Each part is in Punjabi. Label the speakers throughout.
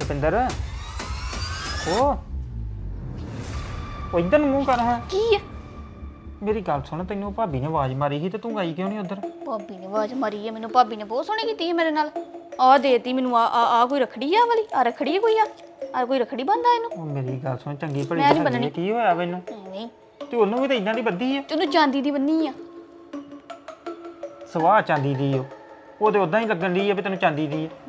Speaker 1: ਰਪਿੰਦਰ ਉਹ ਇਧਰ ਨੂੰ ਮੂੰਹ ਕਰ ਹਾਂ
Speaker 2: ਕੀ ਆ?
Speaker 1: ਮੇਰੀ ਗੱਲ ਸੁਣ ਤੈਨੂੰ ਭਾਬੀ ਨੇ ਆਵਾਜ਼ ਮਾਰੀ ਸੀ ਤੇ ਤੂੰ ਆਈ ਕਿਉਂ ਨਹੀਂ ਉਧਰ
Speaker 2: ਭਾਬੀ ਨੇ ਆਵਾਜ਼ ਮਾਰੀ ਹੈ ਮੈਨੂੰ। ਭਾਬੀ ਨੇ ਬਹੁਤ ਸੋਹਣੀ ਕੀਤੀ ਹੈ ਮੇਰੇ ਨਾਲ। ਆ ਦੇਤੀ ਮੈਨੂੰ ਆ ਕੋਈ ਰਖੜੀ ਆ ਵਾਲੀ ਆ ਰਖੜੀ ਕੋਈ ਆ ਕੋਈ ਰਖੜੀ ਬੰਦਾ ਇਹਨੂੰ।
Speaker 1: ਉਹ ਮੇਰੀ ਗੱਲ ਸੁਣ ਚੰਗੀ ਭਲੀ
Speaker 2: ਮੈਂ ਨੀ
Speaker 1: ਹੈਗੀ ਆ,
Speaker 2: ਬੰਨਣੀ।
Speaker 1: ਕੀ ਹੋਇਆ ਮੈਨੂੰ
Speaker 2: ਨਹੀਂ
Speaker 1: ਤੇ ਉਹਨੂੰ ਵੀ ਤਾਂ ਇਦਾਂ ਦੀ ਬੱਧੀ ਆ
Speaker 2: ਤੈਨੂੰ ਚਾਂਦੀ ਦੀ ਬੰਨੀ ਆ।
Speaker 1: ਸਵਾਹ ਚਾਂਦੀ ਦੀ ਉਹ ਤੇ ਉਦਾਂ ਹੀ ਲੱਗਣ ਦੀ ਆ ਵੀ ਤੈਨੂੰ ਚਾਂਦੀ ਦੀ ਆ।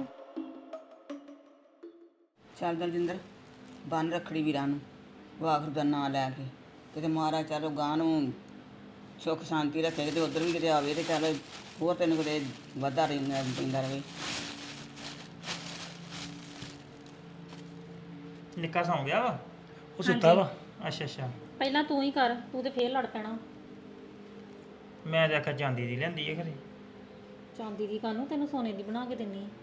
Speaker 3: ਚੱਲ ਦਲਜਿੰਦਰ ਬੰਨ ਰੱਖੜੀ ਵੀਰਾਂ ਨੂੰ ਵਾਹਿਗੁਰੂ ਦਾ ਨਾਂ ਲੈ ਕੇ ਕਿਤੇ ਮਹਾਰਾਜ ਚਲੋ ਗਾਂ ਨੂੰ ਸੁੱਖ ਸ਼ਾਂਤੀ ਰੱਖੇ ਕਿਤੇ ਉੱਧਰ ਵੀ ਕਿਤੇ ਆਵੇ ਤੇ ਚੱਲ ਹੋਰ ਤੈਨੂੰ ਕਿਤੇ ਵਾਧਾ ਪੈਂਦਾ ਰਵੇ।
Speaker 1: ਨਿੱਕਾ ਸੌਂ ਗਿਆ ਵਾ
Speaker 4: ਉਹ ਸੁੱਤਾ ਵਾ।
Speaker 1: ਅੱਛਾ ਅੱਛਾ
Speaker 4: ਪਹਿਲਾਂ ਤੂੰ ਹੀ ਕਰ, ਤੂੰ ਤੇ ਫੇਰ ਲੜ ਪੈਣਾ।
Speaker 1: ਮੈਂ ਤਾਂ ਆਖਿਆ ਚਾਂਦੀ ਦੀ ਲੈਂਦੀ ਆ ਘਰੇ।
Speaker 4: ਚਾਂਦੀ ਦੀ ਕਾਨੂੰ, ਤੈਨੂੰ ਸੋਨੇ ਦੀ ਬਣਾ ਕੇ ਦਿੰਨੀ ਆ।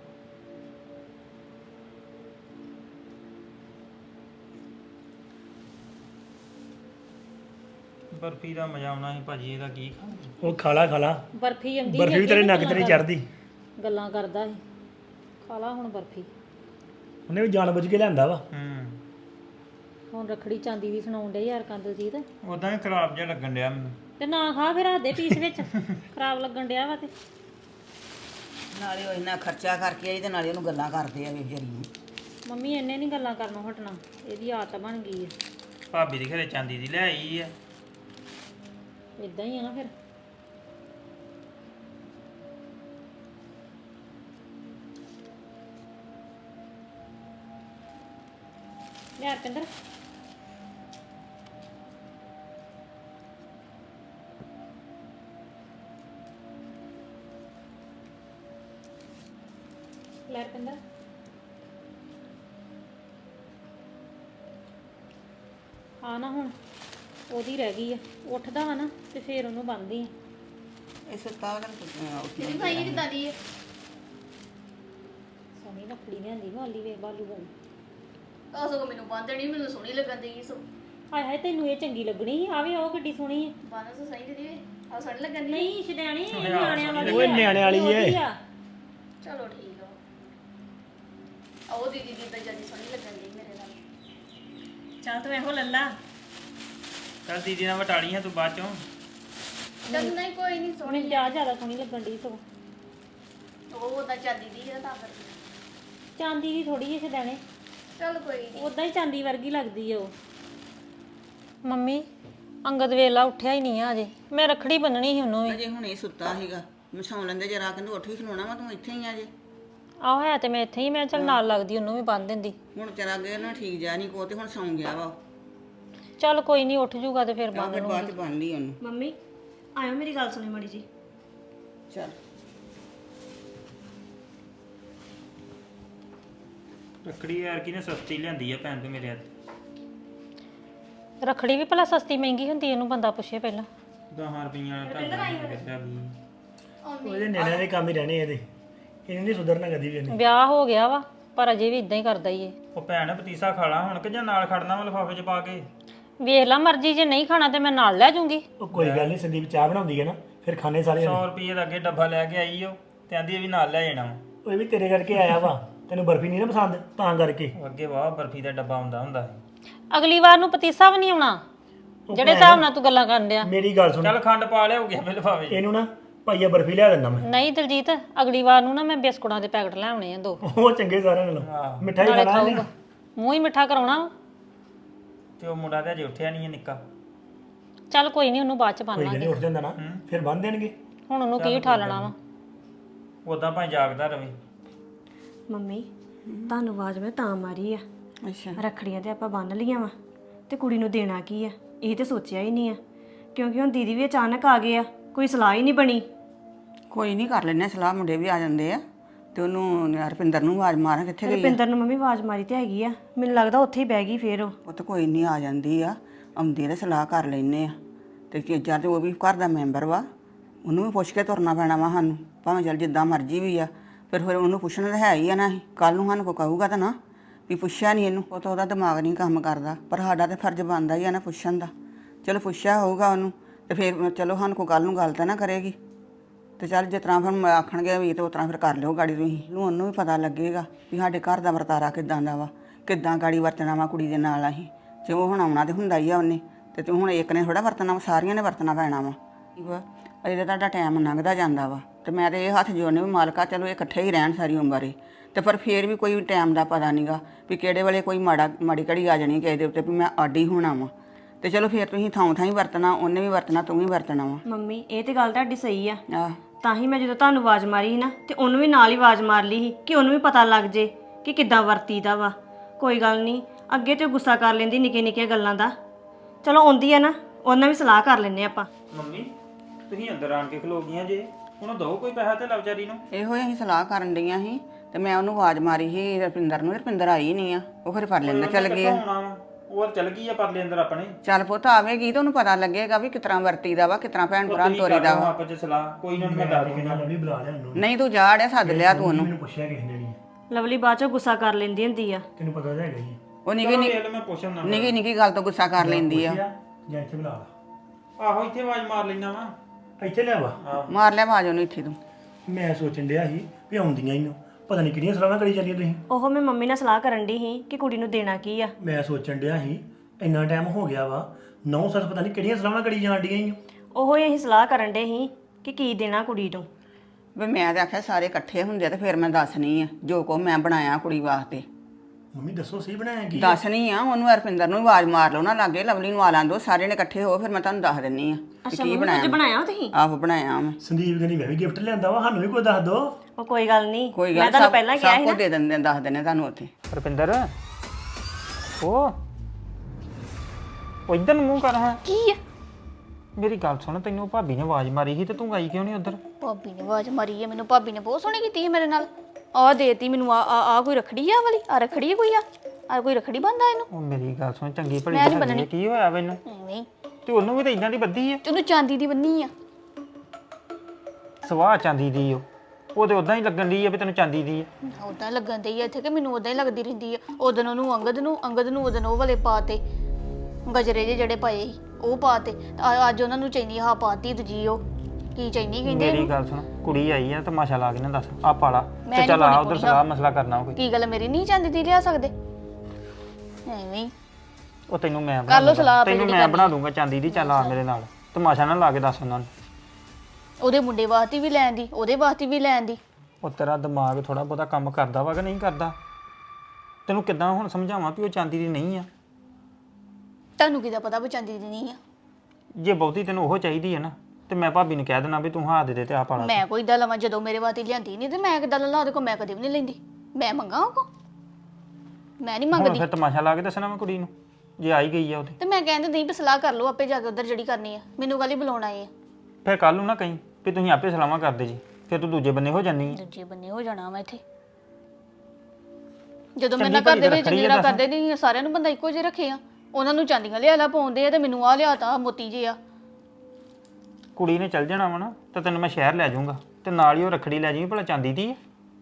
Speaker 1: ਬਰਫੀ ਦਾ ਮਜ਼ਾ ਆਉਣਾ ਸੀ ਭਾਜੀ ਇਹਦਾ ਕੀ ਖਾਣਾ
Speaker 5: ਉਹ ਖਾਲਾ
Speaker 4: ਬਰਫੀ ਆਉਂਦੀ
Speaker 5: ਬਰਫੀ ਵੀ ਤੇਰੇ ਨੱਕ ਤੇ ਨਹੀਂ ਚੜਦੀ।
Speaker 4: ਗੱਲਾਂ ਕਰਦਾ ਸੀ। ਖਾ ਲਾ ਹੁਣ ਬਰਫੀ।
Speaker 5: ਉਹਨੇ ਵੀ ਜਾਣ ਬੁੱਝ ਕੇ ਲਿਆਂਦਾ ਵਾ।
Speaker 4: ਹੁਣ ਰਖੜੀ ਚਾਂਦੀ ਦੀ ਸੁਣਾਉਣ ਡੇ ਯਾਰ ਕੰਦਲਜੀਤ।
Speaker 1: ਉਦਾਂ ਹੀ ਖਰਾਬ ਜਿਹਾ ਲੱਗਣ ਡਿਆ ਮੈਨੂੰ।
Speaker 4: ਤੇ ਨਾ ਖਾ ਫਿਰ ਹੱਦੇ ਪੀਸ ਵਿੱਚ ਖਰਾਬ ਲੱਗਣ ਡਿਆ ਵਾ ਤੇ
Speaker 3: ਨਾਲੇ ਉਹ ਇੰਨਾ ਖਰਚਾ ਕਰਕੇ ਆਈ ਤੇ ਨਾਲੇ ਉਹਨੂੰ ਗੱਲਾਂ ਕਰਦੇ ਆ ਵੇ ਵਿਚਾਰੀ ਨੂੰ।
Speaker 4: ਮੰਮੀ ਇਹਨੇ ਨਹੀਂ ਗੱਲਾਂ ਕਰਨੋਂ ਹਟਣਾ, ਇਹਦੀ ਆਦਤ ਬਣ ਗਈ ਹੈ।
Speaker 1: ਭਾਬੀ ਦੇ ਘਰੇ ਚਾਂਦੀ ਦੀ ਲੈ ਆਈ ਆ।
Speaker 4: ਇਦਾਂ ਹੀ ਆ ਨਾ ਫਿਰ। ਲੈ ਰਪਿੰਦਰ ਲੈ ਰਪਿੰਦਰ ਆ ਨਾ ਹੁਣ ਉਹਦੀ ਰਹਿ ਗਈ ਆ। ਉੱਠਦਾ ਵਾ ਨਾ ਤੇ ਫੇਰ ਉਹਨੂੰ ਬੰਨ੍ਹਦੀ ਆ।
Speaker 3: ਇਹ ਸੁੱਤਾ ਉਹਦਾ ਉੱਠੀ
Speaker 2: ਭਾਈ ਕਿਦਾਂ ਦੀ ਹੈ?
Speaker 4: ਸੋਹਣੀ ਰੱਖੜੀ ਲਿਆਂਦੀ ਵਾਲੀ ਵੇ ਬਾਲੂ ਵਾਲੀ।
Speaker 2: ਆ ਸਗੋਂ ਮੈਨੂੰ ਬੰਦਣੀ ਮੈਨੂੰ ਸੋਹਣੀ ਲੱਗਣ ਦੀ ਸੋ।
Speaker 4: ਹਾਏ ਹਾਏ ਤੈਨੂੰ ਇਹ ਚੰਗੀ ਲੱਗਣੀ ਆਵੇ ਉਹ ਕਿੱਡੀ ਸੋਹਣੀ ਹੈ।
Speaker 2: ਬੰਦ ਸੋ ਸਹੀ ਦੀ ਆ ਸੋਹਣੀ ਲੱਗਣ ਦੀ।
Speaker 4: ਨਹੀਂ ਛਡਿਆਣੀ ਨਿਆਣਿਆਂ ਵਾਲੀ
Speaker 5: ਓਏ ਨਿਆਣੇ ਵਾਲੀ ਏ।
Speaker 2: ਚਲੋ ਠੀਕ ਆ। ਉਹ ਦੀਦੀ ਦੀ ਤਾਂ ਜਿਆਦਾ ਸੋਹਣੀ ਲੱਗਣ ਦੀ ਮੇਰੇ ਨਾਲ।
Speaker 4: ਚੱਲ ਤੂੰ ਇਹੋ ਲੱਲਾ।
Speaker 1: ਚੱਲ ਦੀਦੀ ਨਾਲ ਵਟਾਲੀਆਂ ਤੂੰ ਬਾਅਦ ਚੋਂ।
Speaker 2: ਚੱਲ ਨਹੀਂ ਕੋਈ ਨਹੀਂ ਸੋਹਣੀ।
Speaker 4: ਮੈਨੂੰ ਲਿਆ ਜ਼ਿਆਦਾ ਸੋਹਣੀ ਲੱਗਣ ਦੀ ਸਗੋਂ।
Speaker 2: ਉਹ ਉਹਦਾ ਚਾਂਦੀ ਦੀ ਆ ਤਾਂ ਕਰਕੇ।
Speaker 4: ਚਾਂਦੀ ਦੀ ਥੋੜੀ ਜਿਹੀ ਛਡਾਣੇ।
Speaker 2: ਚੱਲ ਕੋਈ ਨਹੀਂ।
Speaker 4: ਉਦਾਂ ਹੀ ਚਾਂਦੀ ਵਰਗੀ ਲੱਗਦੀ ਆ ਉਹ। ਮੰਮੀ ਅੰਗਦ ਵੇਲਾ ਉੱਠਿਆ ਹੀ ਨਹੀਂ ਆ ਅਜੇ। ਮੈਂ ਰੱਖੜੀ ਬੰਨਣੀ ਸੀ ਉਹਨੂੰ ਵੀ।
Speaker 3: ਅਜੇ ਹੁਣ ਇਹ ਸੁੱਤਾ ਸੀਗਾ ਮੈਂ ਸੌਂ ਲੈਂਦੇ ਜਰਾ ਕਹਿੰਦੇ ਉੱਠ ਵੀ ਖਲੋਣਾ ਵਾ ਤੂੰ ਇੱਥੇ ਹੀ ਆ ਜੇ।
Speaker 4: ਆਹੋ ਹੈ ਤੇ ਮੈਂ ਇੱਥੇ ਹੀ। ਮੈਂ ਚੱਲ ਨਾਲ ਲੱਗਦੀ ਉਹਨੂੰ ਵੀ ਬੰਨ ਦਿੰਦੀ।
Speaker 3: ਹੁਣ ਚਲਾ ਗਿਆ ਨਾ ਠੀਕ ਜਾ ਨਹੀਂ ਕੋ ਤੇ ਹੁਣ ਸੌਂ ਗਿਆ ਵਾ।
Speaker 4: ਚੱਲ ਕੋਈ ਨਹੀਂ ਉੱਠ ਜੂਗਾ ਤੇ ਫਿਰ
Speaker 3: ਤਾਂ
Speaker 4: ਬੰਨ
Speaker 3: ਫਿਰ ਬਾਅਦ ਚ ਬੰਨ ਲਈ ਉਹਨੂੰ।
Speaker 6: ਮੰਮੀ ਆਇਓ ਮੇਰੀ ਗੱਲ ਸੁਣੀ ਮਾੜੀ ਜੀ।
Speaker 3: ਚੱਲ
Speaker 1: ਰੱਖੜੀ ਯਾਰ ਕਿਨੇ ਸਸਤੀ ਲਿਆਂਦੀ ਆ ਭੈਣ ਤੇ ਮੇਰੇ ਹੱਥ।
Speaker 4: ਰੱਖੜੀ ਵੀ ਭਲਾ ਸਸਤੀ ਮਹਿੰਗੀ ਹੁੰਦੀ ਇਹਨੂੰ ਬੰਦਾ ਪੁੱਛੇ ਪਹਿਲਾਂ।
Speaker 1: 10 ਰੁਪਈਆ ਦਾ
Speaker 5: ਉਹਦੇ ਨਿਆਣਿਆਂ ਦੇ ਕੰਮ ਹੀ ਰਹਿਣੇ ਇਹਦੇ। ਇਹਨੇ ਨਹੀਂ ਸੁਧਰਨਾ ਕਦੀ ਵੀ ਇਹਨੇ।
Speaker 4: ਵਿਆਹ ਹੋ ਗਿਆ ਵਾ ਪਰ ਅਜੇ ਵੀ ਇਦਾਂ ਹੀ ਕਰਦਾ ਹੀ ਏ।
Speaker 1: ਉਹ ਭੈਣ ਪਤੀਸਾ ਖਾ ਲਾ ਹੁਣ ਕਿ ਜਾਂ ਨਾਲ ਖੜਨਾ ਵਾ ਲਿਫਾਫੇ 'ਚ ਪਾ ਕੇ।
Speaker 4: ਵੇਖ ਲਾ ਮਰਜ਼ੀ ਜੇ ਨਹੀਂ ਖਾਣਾ ਤੇ ਮੈਂ ਨਾਲ ਲੈ ਜੂੰਗੀ।
Speaker 5: ਉਹ ਕੋਈ ਗੱਲ ਨਹੀਂ ਸੰਦੀਪ ਚਾਹ ਬਣਾਉਂਦੀ ਹੈ ਨਾ ਫਿਰ ਖਾਣੇ ਸਾਰੇ
Speaker 1: 100 ਰੁਪਏ ਦਾ ਅੱਗੇ ਡੱਬਾ ਲੈ ਕੇ ਆਈ ਉਹ ਤੇ ਆਂਦੀ ਇਹ ਵੀ ਨਾਲ ਲੈ ਜਾਣਾ ਵਾ।
Speaker 5: ਉਹ ਇਹ ਵੀ ਤੇਰੇ ਕਰਕੇ ਆਇਆ ਵਾ। ਤੈਨੂੰ ਬਰਫੀ ਨਹੀਂ ਨਾ ਪਸੰਦ ਤਾਂ ਕਰਕੇ।
Speaker 1: ਉਹ ਅੱਗੇ ਵਾਹ ਬਰਫੀ ਦਾ ਡੱਬਾ ਹੁੰਦਾ ਸੀ।
Speaker 4: ਅਗਲੀ ਵਾਰ ਨੂੰ ਪਤੀਸਾ ਵੀ ਨਹੀਂ ਆਉਣਾ ਜਿਹੜੇ ਹਿਸਾਬ ਨਾਲ ਤੂੰ ਗੱਲਾਂ ਕਰਨ ਡਿਆ।
Speaker 5: ਮੇਰੀ ਗੱਲ ਸੁਣ
Speaker 1: ਚੱਲ ਖੰਡ ਪਾ ਲਿਆ ਹੋ ਗਿਆ ਮੇਰੇ ਲਿਫਾਫੇ 'ਚ।
Speaker 5: ਇਹਨੂੰ ਨਾ ਭਾਈਆ ਬਰਫੀ ਲਿਆ ਦਿੰਦਾ ਮੈਂ।
Speaker 4: ਨਹੀਂ ਦਲਜੀਤ ਅਗਲੀ ਵਾਰ ਨੂੰ ਨਾ ਮੈਂ ਬਿਸਕੁਟਾਂ ਦੇ ਪੈਕਟ ਲੈ ਆਉਣੇ ਆ 2।
Speaker 5: ਉਹ ਚੰਗੇ ਸਾਰਿਆਂ ਨਾਲੋਂ ਮਿਠਾਈ
Speaker 4: ਨਾਲੇ
Speaker 5: ਖਾਣਾ ਇਹਨੇ।
Speaker 4: ਖਾਊਗਾ ਮੂੰਹ ਹੀ ਮਿੱਠਾ ਕਰਾਉਣਾ ਵਾ।
Speaker 1: ਤੇ ਉਹ ਮੁੰਡਾ ਤੇ ਅਜੇ ਉੱਠਿਆ ਨਹੀਂ ਹੈ ਨਿੱਕਾ।
Speaker 4: ਚੱਲ ਕੋਈ ਨਹੀਂ ਉਹਨੂੰ ਬਾਅਦ ਚ
Speaker 5: ਕੋਈ ਗੱਲ
Speaker 4: ਪਾਣਾ।
Speaker 5: ਨਹੀਂ ਉੱਠ ਜਾਂਦਾ ਨਾ ਫਿਰ ਬੰਨ ਦੇਣਗੇ।
Speaker 4: ਹੁਣ ਉਹਨੂੰ ਕੀ ਠਾਲਣਾ ਵਾ।
Speaker 1: ਉਦਾਂ ਭਾਵੇਂ ਜਾਗਦਾ ਰਵੇ।
Speaker 6: ਮੰਮੀ ਤੁਹਾਨੂੰ ਆਵਾਜ਼ ਮੈਂ ਤਾਂ ਮਾਰੀ ਆ।
Speaker 3: ਅੱਛਾ
Speaker 6: ਰੱਖੜੀਆਂ ਤੇ ਆਪਾਂ ਬੰਨ ਲੀਆਂ ਵਾ ਤੇ ਕੁੜੀ ਨੂੰ ਦੇਣਾ ਕੀ ਆ ਇਹ ਤੇ ਸੋਚਿਆ ਹੀ ਨਹੀਂ ਆ ਕਿਉਂਕਿ ਹੁਣ ਦੀਦੀ ਵੀ ਅਚਾਨਕ ਆ ਗਏ ਆ ਕੋਈ ਸਲਾਹ ਹੀ ਨਹੀਂ ਬਣੀ।
Speaker 3: ਕੋਈ ਨਹੀਂ ਕਰ ਲੈਣੇ ਸਲਾਹ ਮੁੰਡੇ ਵੀ ਆ ਜਾਂਦੇ ਆ ਤੇ ਉਹਨੂੰ ਰੁਪਿੰਦਰ ਨੂੰ ਆਵਾਜ਼ ਮਾਰਾਂ ਕਿੱਥੇ ਗਈ ਆ?
Speaker 6: ਰੁਪਿੰਦਰ ਨੂੰ ਮੰਮੀ ਆਵਾਜ਼ ਮਾਰੀ ਤੇ ਹੈਗੀ ਆ ਮੈਨੂੰ ਲੱਗਦਾ ਉੱਥੇ ਹੀ ਬਹਿ ਗਈ ਫੇਰ ਉਹ।
Speaker 3: ਉਹ ਤਾਂ ਕੋਈ ਨਹੀਂ ਆ ਜਾਂਦੀ ਆ ਆਉਂਦੀ ਨੇ ਸਲਾਹ ਕਰ ਲੈਨੇ ਆ ਤੇ ਚੀਜ਼ਾਂ ਤੇ ਉਹ ਵੀ ਘਰ ਦਾ ਮੈਂਬਰ ਵਾ ਉਹਨੂੰ ਵੀ ਪੁੱਛ ਕੇ ਤੁਰਨਾ ਪੈਣਾ ਵਾ ਸਾਨੂੰ ਭਾਵੇਂ ਚੱਲ ਜਿੱਦਾਂ ਮਰਜ਼ੀ ਵੀ ਆ ਫਿਰ ਉਹਨੂੰ ਪੁੱਛਣਾ ਤਾਂ ਹੈ ਹੀ ਆ ਨਾ। ਅਸੀਂ ਕੱਲ ਨੂੰ ਸਾਨੂੰ ਕੋਈ ਕਹੂਗਾ ਤਾਂ ਨਾ ਵੀ ਪੁੱਛਿਆ ਨਹੀਂ ਇਹਨੂੰ ਉਹ ਤਾਂ ਉਹਦਾ ਦਿਮਾਗ ਨਹੀਂ ਕੰਮ ਕਰਦਾ ਪਰ ਸਾਡਾ ਤਾਂ ਫਰਜ਼ ਬਣਦਾ ਹੀ ਆ ਨਾ ਪੁੱਛਣ ਦਾ। ਚਲੋ ਪੁੱਛਿਆ ਹੋਊਗਾ ਉਹਨੂੰ ਤੇ ਫਿਰ ਚਲੋ ਸਾਨੂੰ ਕੋਈ ਕੱਲ ਨੂੰ ਗੱਲ ਤਾਂ ਨਾ ਕਰੇਗੀ। ਤੇ ਚੱਲ ਜਿਸ ਤਰ੍ਹਾਂ ਫਿਰ ਆਖਣਗੇ ਵੀ ਤੇ ਉਸ ਤਰ੍ਹਾਂ ਫਿਰ ਕਰ ਲਿਓ ਗਾੜੀ ਤੁਸੀਂ ਉਹਨੂੰ ਵੀ ਪਤਾ ਲੱਗੇਗਾ ਵੀ ਸਾਡੇ ਘਰ ਦਾ ਵਰਤਾਰਾ ਕਿੱਦਾਂ ਦਾ ਵਾ, ਕਿੱਦਾਂ ਗਾੜੀ ਵਰਤਣਾ ਵਾ ਕੁੜੀ ਦੇ ਨਾਲ ਅਸੀਂ। ਜੇ ਉਹ ਹੁਣ ਆਉਣਾ ਤੇ ਹੁੰਦਾ ਹੀ ਆ ਉਹਨੇ, ਤੇ ਤੂੰ ਹੁਣ ਇੱਕ ਨੇ ਥੋੜਾ ਵਰਤਣਾ ਵਾ, ਸਾਰੀਆਂ ਨੇ ਵਰਤਣਾ ਪੈਣਾ ਵਾ। ਅਜੇ ਤਾਂ ਤੁਹਾਡਾ ਟਾਈਮ ਲੰਘਦਾ ਜਾਂਦਾ ਵਾ, ਤੇ ਮੈਂ ਤੇ ਇਹ ਹੱਥ ਜੋੜਨੇ ਵੀ ਮਾਲਕਾ ਚਲੋ ਇਹ ਇਕੱਠੇ ਹੀ ਰਹਿਣ ਸਾਰੀ ਉਮਰ ਹੀ। ਤੇ ਪਰ ਫੇਰ ਵੀ ਕੋਈ ਟਾਈਮ ਦਾ ਪਤਾ ਨਹੀਂਗਾ ਵੀ ਕਿਹੜੇ ਵੇਲੇ ਕੋਈ ਮਾੜੀ ਘੜੀ ਆ ਜਾਣੀ ਕਿਸੇ ਦੇ ਉੱਤੇ ਵੀ ਮੈਂ ਆਡੀ ਹੋਣਾ ਵਾ। ਤੇ ਚਲੋ ਫੇਰ ਤੁਸੀਂ ਥਾਂ ਥਾਂ ਹੀ ਵਰਤਣਾ, ਉਹਨੇ ਵੀ ਵਰਤਣਾ, ਤੂੰ ਵੀ ਵਰਤਣਾ ਵਾ।
Speaker 6: ਮੰਮੀ ਇਹ ਤੇ ਗੱਲ ਤੁਹਾਡੀ ਸਹੀ ਆ।
Speaker 3: ਆਹ
Speaker 6: ਤਾਂ ਹੀ ਮੈਂ ਜਦੋਂ ਤੁਹਾਨੂੰ ਆਵਾਜ਼ ਮਾਰੀ ਸੀ ਨਾ ਤੇ ਉਹਨੂੰ ਵੀ ਨਾਲ ਹੀ ਆਵਾਜ਼ ਮਾਰ ਲਈ ਸੀ ਕਿ ਉਹਨੂੰ ਵੀ ਪਤਾ ਲੱਗ ਜੇ ਕਿ ਕਿੱਦਾਂ ਵਰਤੀਦਾ ਵਾ। ਕੋਈ ਗੱਲ ਨਹੀਂ, ਅੱਗੇ ਤੇ ਉਹ ਗੁੱਸਾ ਕਰ ਲੈਂਦੀ ਨਿੱਕੀਆਂ ਨਿੱਕੀਆਂ ਗੱਲਾਂ ਦਾ। ਚਲੋ ਆਉਂਦੀ ਆ ਨਾ, ਉਹਨਾਂ ਵੀ ਸਲਾਹ ਕਰ ਲੈਂਦੇ ਆਪਾਂ।
Speaker 1: ਮੰਮੀ ਤੁਸੀਂ ਅੰਦਰ ਆਣ ਕੇ ਖਲੋ ਗਈਆਂ ਜੇ, ਉਹਨੂੰ ਦੋ ਕੋਈ ਪੈਸਾ ਤੇ ਵਿਚਾਰੀ ਨੂੰ।
Speaker 3: ਇਹੋ ਹੀ ਅਸੀਂ ਸਲਾਹ ਕਰਨ ਡਈਆਂ ਸੀ, ਤੇ ਮੈਂ ਉਹਨੂੰ ਆਵਾਜ਼ ਮਾਰੀ ਸੀ ਰੁਪਿੰਦਰ ਨੂੰ, ਰੁਪਿੰਦਰ ਆਈ ਨਹੀਂ ਆ, ਉਹ ਫਿਰ ਫੜ ਲੈਂਦਾ ਚੱਲ ਗਈ ਆ।
Speaker 1: ਉਹ ਚੱਲ ਗਈ ਆ ਪਰਲੇ ਅੰਦਰ ਆਪਣੇ।
Speaker 3: ਚੱਲ ਪੁੱਤ ਆਵੇਗੀ ਤਾਂ ਉਹਨੂੰ ਪਤਾ ਲੱਗੇਗਾ ਵੀ ਕਿਸ ਤਰ੍ਹਾਂ ਵਰਤੀਦਾ ਵਾ, ਕਿਸ ਤਰ੍ਹਾਂ ਭੈਣ ਭਰਾ ਨੂੰ ਤੋਰੀਦਾ ਵਾ।
Speaker 1: ਆਪਸ ਚ ਸਲਾਹ ਕੋਈ ਨਾ ਮੈਂ ਦੱਸ
Speaker 5: ਕਿੰਨਾ ਲਵਲੀ ਬੁਲਾ ਲਿਆ ਉਹਨੂੰ,
Speaker 3: ਨਹੀਂ ਤੂੰ ਜਾ ਅੜਿਆ ਸੱਦ ਲਿਆ ਤੂੰ ਉਹਨੂੰ।
Speaker 5: ਮੈਨੂੰ ਪੁੱਛਿਆ ਕਿਸੇ ਨੇ ਨਹੀਂ,
Speaker 6: ਲਵਲੀ ਬਾਅਦ ਚੋਂ ਗੁੱਸਾ ਕਰ ਲੈਂਦੀ ਹੁੰਦੀ ਆ।
Speaker 5: ਤੈਨੂੰ ਪਤਾ ਤਾਂ ਹੈਗਾ ਹੀ।
Speaker 3: ਉਹ ਨਿੱਕੀ
Speaker 1: ਮੈਂ ਪੁੱਛਣ ਨਾ
Speaker 3: ਨਿੱਕੀ ਗੱਲ ਤੋਂ ਗੁੱਸਾ ਕਰ ਲੈਂਦੀ ਆ।
Speaker 5: ਜਾਂ ਇੱਥੇ ਬੁਲਾ ਲਾ,
Speaker 1: ਆਹੋ ਇੱਥੇ ਆਵਾਜ਼ ਮਾਰ ਲੈਣਾ ਵਾ।
Speaker 5: ਇੱਥੇ ਲੈ ਵਾ।
Speaker 3: ਮਾਰ ਲਿਆ ਆਵਾਜ਼ ਉਹਨੂੰ ਇੱਥੇ ਤੂੰ।
Speaker 5: ਮੈਂ ਸੋਚਣ ਡਿਆ ਸੀ ਵੀ ਆਉਂਦੀਆਂ ਹੀ ਨੂੰ ਪਤਾ ਨਹੀਂ ਕਿਹੜੀਆਂ ਸਲਾਹਾਂ ਕਰੀ ਜਾਂਦੀਆਂ ਤੁਸੀਂ।
Speaker 6: ਉਹ ਮੈਂ ਮੰਮੀ ਨਾਲ ਸਲਾਹ ਕਰਨ ਦੀ ਸੀ ਕਿ ਕੁੜੀ ਨੂੰ ਦੇਣਾ ਕੀ ਆ।
Speaker 5: ਮੈਂ ਸੋਚਣ ਡਿਆ ਸੀ ਇੰਨਾ ਟਾਈਮ ਹੋ ਗਿਆ ਵਾ, 9 ਸੱਤ ਪਤਾ ਨਹੀਂ ਕਿਹੜੀਆਂ ਸਲਾਹਾਂ ਕਰੀ ਜਾਣ ਡੀਆਂ ਹੀ।
Speaker 6: ਉਹੋ ਹੀ ਅਸੀਂ ਸਲਾਹ ਕਰਨ ਦੇ ਸੀ ਕਿ ਕੀ ਦੇਣਾ ਕੁੜੀ ਨੂੰ।
Speaker 3: ਵੀ ਮੈਂ ਤਾਂ ਆਖਿਆ ਸਾਰੇ ਇਕੱਠੇ ਹੁੰਦੇ ਤੇ ਫਿਰ ਮੈਂ ਦੱਸਣੀ ਆ ਜੋ ਕੋ ਮੈਂ ਬਣਾਇਆ ਕੁੜੀ ਵਾਸਤੇ।
Speaker 5: ਮੰਮੀ ਦੱਸੋ ਸਹੀ ਬਣਾਇਆ ਕੀ?
Speaker 3: ਦੱਸਣੀ ਆ ਉਹਨੂੰ, ਰੁਪਿੰਦਰ ਨੂੰ ਆਵਾਜ਼ ਮਾਰ ਲਓ ਨਾ, ਲਾਗੇ ਲਵਲੀ ਨੂੰ ਆ ਲਾਂ ਦੋ, ਸਾਰੇ ਨੇ ਇਕੱਠੇ ਹੋ ਫਿਰ ਮੈਂ ਤੁਹਾਨੂੰ ਦੱਸ ਦਿੰਨੀ ਆ ਕਿ ਕੀ ਬਣਾਇਆ।
Speaker 6: ਬਣਾਇਆ ਤੁਸੀਂ?
Speaker 3: ਆਹੋ ਬਣਾਇਆ ਮੈਂ।
Speaker 5: ਸੰਦੀਪ ਕਹਿੰਦੀ ਮੈਂ ਵੀ ਗਿਫਟ ਲਿਆਂਦਾ ਵਾ, ਸਾਨੂੰ ਵੀ ਕੋਈ ਦੱਸ ਦੋ।
Speaker 6: ਉਹ ਕੋਈ ਗੱਲ ਨਹੀਂ,
Speaker 3: ਕੋਈ
Speaker 6: ਮੈਂ
Speaker 3: ਗੱਲ
Speaker 6: ਤੁਹਾਨੂੰ ਪਹਿਲਾਂ ਕਿਹਾ
Speaker 3: ਸਭ
Speaker 6: ਸੀ
Speaker 3: ਕੁਝ
Speaker 6: ਨਾ।
Speaker 3: ਦੇ ਦਿੰਦੇ ਦੱਸ ਦਿੰਦੇ ਤੁਹਾਨੂੰ ਉੱਥੇ।
Speaker 1: ਰੁਪਿੰਦਰ ਉਹ ਇਧਰ ਨੂੰ ਮੂੰਹ ਕਰ। ਹਾਂ
Speaker 2: ਕੀ ਆ?
Speaker 1: ਮੇਰੀ ਗੱਲ ਸੁਣ, ਤੈਨੂੰ ਭਾਬੀ ਨੇ ਆਵਾਜ਼ ਮਾਰੀ ਸੀ ਤੇ ਤੂੰ ਗਈ ਕਿਉਂ ਨਹੀਂ ਉਧਰ?
Speaker 2: ਭਾਬੀ ਨੇ ਆਵਾਜ਼ ਮਾਰੀ ਹੈ ਮੈਨੂੰ, ਭਾਬੀ ਨੇ ਬਹੁਤ ਸੋਹਣੀ ਕੀਤੀ ਸੀ ਮੇਰੇ ਨਾਲ। ਆ ਦੇਤੀ ਮੈਨੂੰ ਆ ਕੋਈ ਰਖੜੀ ਆ ਵਾਲੀ, ਆ ਰਖੜੀ ਆ ਕੋਈ ਆ ਕੋਈ ਰਖੜੀ ਬੰਦਾ ਇਹਨੂੰ।
Speaker 1: ਉਹ ਮੇਰੀ ਗੱਲ ਸੁਣ, ਚੰਗੀ ਭਲੀ
Speaker 2: ਮੈਂ ਨੀ
Speaker 1: ਹੈਗੀ ਆ, ਕੀ ਹੋਇਆ ਵਾ ਇਹਨੂੰ?
Speaker 2: ਐਵੇਂ ਹੀ।
Speaker 1: ਤੇ ਉਹਨੂੰ ਵੀ ਤਾਂ ਇਦਾਂ ਦੀ ਬੱਧੀ ਆ,
Speaker 2: ਤੇ ਉਹਨੂੰ ਚਾਂਦੀ ਦੀ ਬੰਨੀ ਆ।
Speaker 1: ਸਵਾਹ ਚਾਂਦੀ ਦੀ। ਉਹ ਤੇ ਉਦਾਂ ਹੀ ਲੱਗਣ ਦੀ ਆ ਵੀ ਤੈਨੂੰ ਚਾਂਦੀ ਦੀ ਆ।
Speaker 2: ਉਦਾਂ ਲੱਗਣ ਦੀ ਆ ਇੱਥੇ ਕਿ ਮੈਨੂੰ ਉਦਾਂ ਹੀ ਲੱਗਦੀ ਰਹਿੰਦੀ ਆ। ਉਦੋਂ ਉਹਨੂੰ ਅੰਗਦ ਨੂੰ ਉਦੋਂ ਉਹ ਵਾਲੇ ਪਾਤੇ ਗਜਰੇ ਜਿਹੜੇ ਪਾਏ ਸੀ ਉਹ ਪਾਤੇ। ਅੱਜ ਉਹਨਾਂ ਨੂੰ ਚੈਨੀ ਹਾਂ ਪਾਤੀ ਦੂਜੀ ਉਹ ਕੀ ਚੈਨੀ ਕਹਿੰਦੇ
Speaker 1: ਮੇਰੀ ਗੱਲ ਸੁਣ, ਕੁੜੀ ਆਈ ਆ ਤਮਾਸ਼ਾ ਲਾ ਕੇ ਨਾ ਦੱਸ ਆ ਪਾਲਾ
Speaker 2: ਮੈਂ
Speaker 1: ਤੇ ਚੱਲ
Speaker 2: ਨੀ
Speaker 1: ਆ
Speaker 2: ਪਾਉਣੀ
Speaker 1: ਉਧਰ ਸਲਾਹ ਮਸਲਾ ਕਰਨਾ ਕੋਈ।
Speaker 2: ਕੀ ਗੱਲ ਮੇਰੀ ਨਹੀਂ ਚਾਂਦੀ ਦੀ ਲਿਆ ਸਕਦੇ ਐਵੇਂ ਹੀ।
Speaker 1: ਉਹ ਤੈਨੂੰ ਮੈਂ
Speaker 2: ਕਰ ਲਓ ਸਲਾਹ ਆਪੇ
Speaker 1: ਤੈਨੂੰ
Speaker 2: ਜਿਹੜੀ
Speaker 1: ਮੈਂ ਬਣਾ ਦੂੰਗਾ ਚਾਂਦੀ ਦੀ। ਚੱਲ ਆ ਮੇਰੇ ਨਾਲ, ਤਮਾਸ਼ਾ ਨਾ ਲਾ ਕੇ ਦੱਸ ਉਹਨਾਂ ਨੂੰ।
Speaker 2: ਉਹਦੇ ਮੁੰਡੇ ਵਾਸਤੇ ਵੀ ਲੈਣ ਦੀ, ਉਹਦੇ ਵਾਸਤੇ ਵੀ ਲੈਣ ਦੀ।
Speaker 1: ਉਹ ਤੇਰਾ ਦਿਮਾਗ ਥੋੜਾ ਬਹੁਤਾ ਕੰਮ ਕਰਦਾ ਵਾ ਕਿ ਨਹੀਂ ਕਰਦਾ? ਤੈਨੂੰ ਕਿੱਦਾਂ ਹੁਣ ਸਮਝਾਵਾਂ ਵੀ ਉਹ ਚਾਂਦੀ ਦੀ ਨਹੀਂ ਆ?
Speaker 2: ਤੁਹਾਨੂੰ ਕਿਹਦਾ ਪਤਾ ਵੀ ਚਾਂਦੀ ਦੀ ਨਹੀਂ ਆ?
Speaker 1: ਜੇ ਬਹੁਤੀ ਤੈਨੂੰ ਉਹ ਚਾਹੀਦੀ ਹੈ ਨਾ ਤੇ ਮੈਂ ਭਾਬੀ ਨੂੰ ਕਹਿ ਦੇਣਾ ਵੀ ਤੂੰ ਹਾਂ ਦੇ ਤੇ ਆ ਪਾਲਾ।
Speaker 2: ਮੈਂ ਕੋਈ ਦਾ ਲਵਾਂ ਜਦੋਂ ਮੇਰੇ ਵਾਸਤੇ ਲਿਆਂਦੀ ਨਹੀਂ ਤੇ ਮੈਂ ਕਿੱਦਾਂ ਲਾ ਉਹਦੇ ਕੋ? ਮੈਂ ਕਦੇ ਵੀ ਨਹੀਂ ਲੈਂਦੀ। ਮੈਂ ਮੰਗਾ ਉਹ ਕੋ? ਮੈਂ ਨਹੀਂ
Speaker 1: ਹੁਣ
Speaker 2: ਮੰਗਦੀ।
Speaker 1: ਫਿਰ ਤਮਾਸ਼ਾ ਲਾ ਕੇ ਦੱਸਣਾ ਮੈਂ ਕੁੜੀ ਨੂੰ ਜੇ ਆਈ ਗਈ ਆ ਉਹਦੇ।
Speaker 2: ਤੇ ਮੈਂ ਕਹਿੰਦੀ ਨਹੀਂ ਵੀ ਸਲਾਹ ਕਰ ਲਓ ਆਪੇ ਜਾ ਕੇ ਉਧਰ ਜਿਹੜੀ ਕਰਨੀ ਆ। ਮੈਨੂੰ ਕੱਲ ਹੀ ਬੁਲਾਉਣਾ ਏ।
Speaker 1: ਫਿਰ ਕੱਲ ਨੂੰ ਨਾ ਕਹੀਂ ਵੀ ਤੁਸੀਂ ਆਪੇ ਸਲਾਹਾਂ ਕਰਦੇ ਜੀ, ਫਿਰ ਤੂੰ ਦੂਜੇ ਬੰਨੇ ਹੋ ਜਾਨੀ ਹੈ।
Speaker 2: ਦੂਜੇ ਬੰਨੇ ਹੋ ਜਾਣਾ ਮੈਂ ਇੱਥੇ। ਜਦੋਂ ਮੇਰੇ ਨਾਲ ਕਰਦੇ ਨੇ ਜਿਹੜਾ ਕਰਦੇ ਨਹੀਂ ਸਾਰਿਆਂ ਨੂੰ ਬੰਦਾ ਇੱਕੋ ਜਿਹੇ ਰੱਖੇ ਆ। ਉਹਨਾਂ ਨੂੰ ਚਾਂਦੀਆਂ ਲਿਆ ਪਾਉਂਦੇ ਆ ਤੇ ਮੈਨੂੰ ਆ ਲਿਆਤਾ ਮੋਤੀ ਜੇ ਆ।
Speaker 1: ਕੁੜੀ ਨੇ ਚੱਲ ਜਾਣਾ ਵਾ ਨਾ ਤੇ ਤੈਨੂੰ ਮੈਂ ਸ਼ਹਿਰ ਲੈ ਜਾਊਂਗਾ ਤੇ ਨਾਲ ਹੀ ਉਹ ਰੱਖੜੀ ਲੈ ਜਾਈਂ ਭਲਾ ਚਾਂਦੀ ਦੀ ਆ।